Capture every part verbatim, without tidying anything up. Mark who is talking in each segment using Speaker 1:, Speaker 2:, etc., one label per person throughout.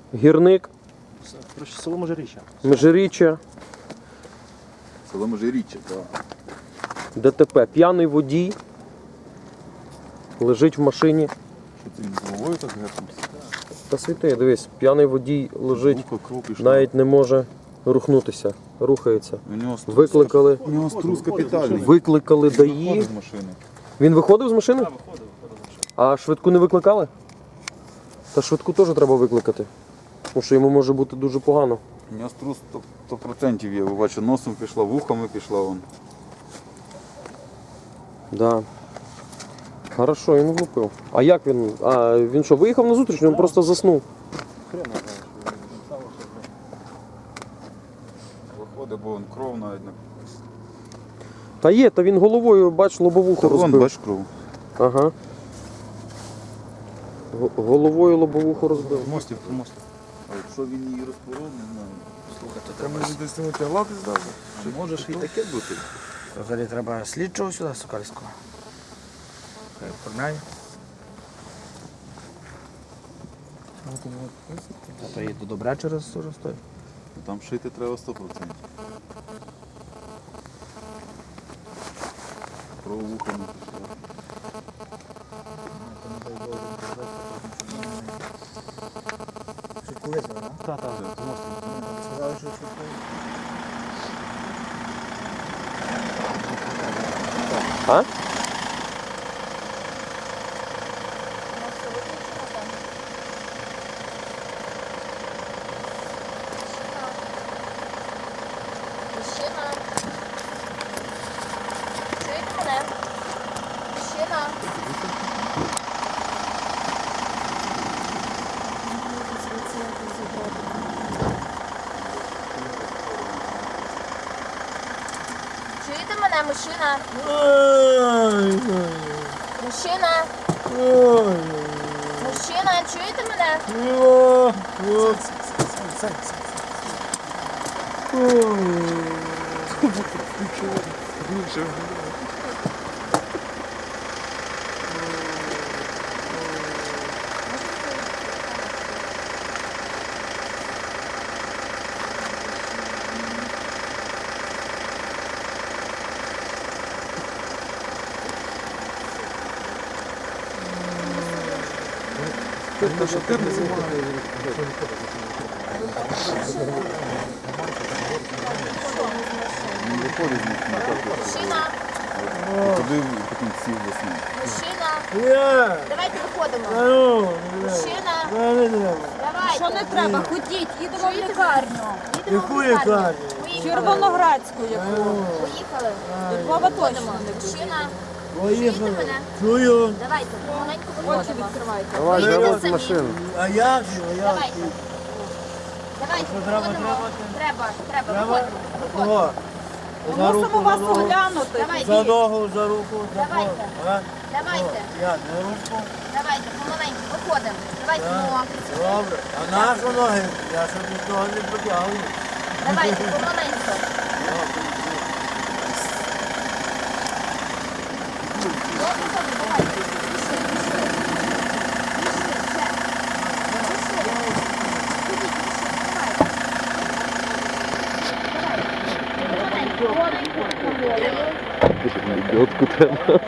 Speaker 1: Гірник,
Speaker 2: Коротше, село Межиріччя.
Speaker 1: Межиріччя,
Speaker 3: Село Межиріччя, так.
Speaker 1: ДТП. П'яний водій лежить в машині.
Speaker 3: Що це він з головою так гепнувся?
Speaker 1: Та світи, дивись, п'яний водій лежить,
Speaker 3: Вухо, кров пішла.
Speaker 1: навіть не може рухнутися, рухається.
Speaker 3: У нього струс,
Speaker 1: Викликали,
Speaker 3: у нього струс капітальний.
Speaker 1: викликали ДАІ.
Speaker 3: Виходить з машини.
Speaker 1: Він виходив з машини? А швидку не викликали? Та швидку теж треба викликати. Тому що йому може бути дуже погано.
Speaker 3: У нього струс сто відсотків є. Ви бачите, носом пішла, вухами пішла вон.
Speaker 1: Да. Хорошо, він влупив. А як він? А він що, виїхав на зустріч, він просто заснув.
Speaker 3: Виходить, бо вон кров навіть не...
Speaker 1: Та є, та він головою, бач, лобовуху
Speaker 3: Та вон,
Speaker 1: розбив.
Speaker 3: бач кров.
Speaker 1: Ага. Г- Головою лобовуху розбив.
Speaker 2: Мостів, мостів.
Speaker 3: А якщо він її розпоров, не знаю.
Speaker 2: Слухайте, треба ж десь не тягати здати.
Speaker 3: А може ж і таке бути?
Speaker 2: Взагалі треба слідчого сюди, Сокальського. Хай оформляє. А то їде добре через уже стоїть.
Speaker 3: Там шити треба сто відсотків. Кров вухами пішла.
Speaker 2: Швидку визвали, так? Так, так, так. Сказали, що швидку.
Speaker 1: А?
Speaker 4: Мужчина. Чуєте мене? Мужчина. Чуєте мене, мужчина? Мужчина. Мужчина, чуєте мене?
Speaker 3: Він виходить з машини, так от.
Speaker 4: Мужчина.
Speaker 3: Туди потім сів заснув.
Speaker 4: Мужчина. Давайте виходимо. Мужчина. Давайте.
Speaker 5: Що не треба? Ходіть, їдемо в лікарню.
Speaker 4: Їдемо в лікарню.
Speaker 5: Червоноградську яку.
Speaker 4: Поїхали.
Speaker 5: До Львова точно не
Speaker 4: Мужчина. Чуєте мене?
Speaker 6: Чую.
Speaker 4: Давайте, помаленьку
Speaker 5: очі
Speaker 4: виходимо.
Speaker 5: відкривайте.
Speaker 1: Давай,
Speaker 4: Вийдіть
Speaker 1: заводь
Speaker 4: самі.
Speaker 1: машину.
Speaker 6: А як же? А як?
Speaker 4: Давайте. Давайте,
Speaker 6: треба,
Speaker 4: виходимо.
Speaker 6: треба?
Speaker 4: Треба, треба, виходимо. Виходимо.
Speaker 6: Кого? За
Speaker 5: Мусимо
Speaker 6: руку,
Speaker 5: вас
Speaker 6: за ногу,
Speaker 5: оглянути.
Speaker 6: за
Speaker 4: Давайте,
Speaker 6: ногу, за руку, за
Speaker 4: Давайте.
Speaker 6: кого? А?
Speaker 4: давайте,
Speaker 6: Як, за руку?
Speaker 4: давайте, помаленьку, виходимо. Давайте,
Speaker 6: Так.
Speaker 4: ну,
Speaker 6: Добре. А нашу ноги? Я щоб нікого не протягую.
Speaker 4: давайте, помаленьку. Добре, добре, давайте. Пішли, пішли. Пішли, ще. Пішли. Ходіть, пішли, давайте. Давайте. Помаленьку, помаленьку.
Speaker 1: Лебедку треба.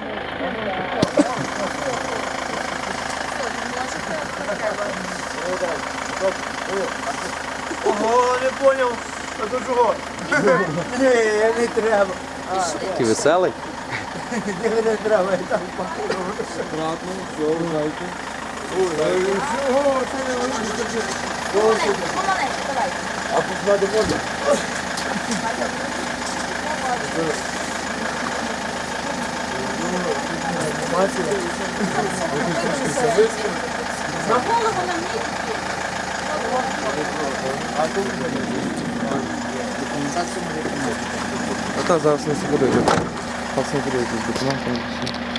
Speaker 6: Ого, не поняв. А то чого? Ні, не треба.
Speaker 1: Такий веселий.
Speaker 6: Ні, не треба, я там покажу.
Speaker 3: Аккуратно, все, грайте.
Speaker 6: Чого? Це не
Speaker 4: Помаленьку, помаленьку, давайте.
Speaker 6: А посмати можна?
Speaker 5: На голову на мені.
Speaker 1: А та зараз не буде. Зараз не буде якісь документи.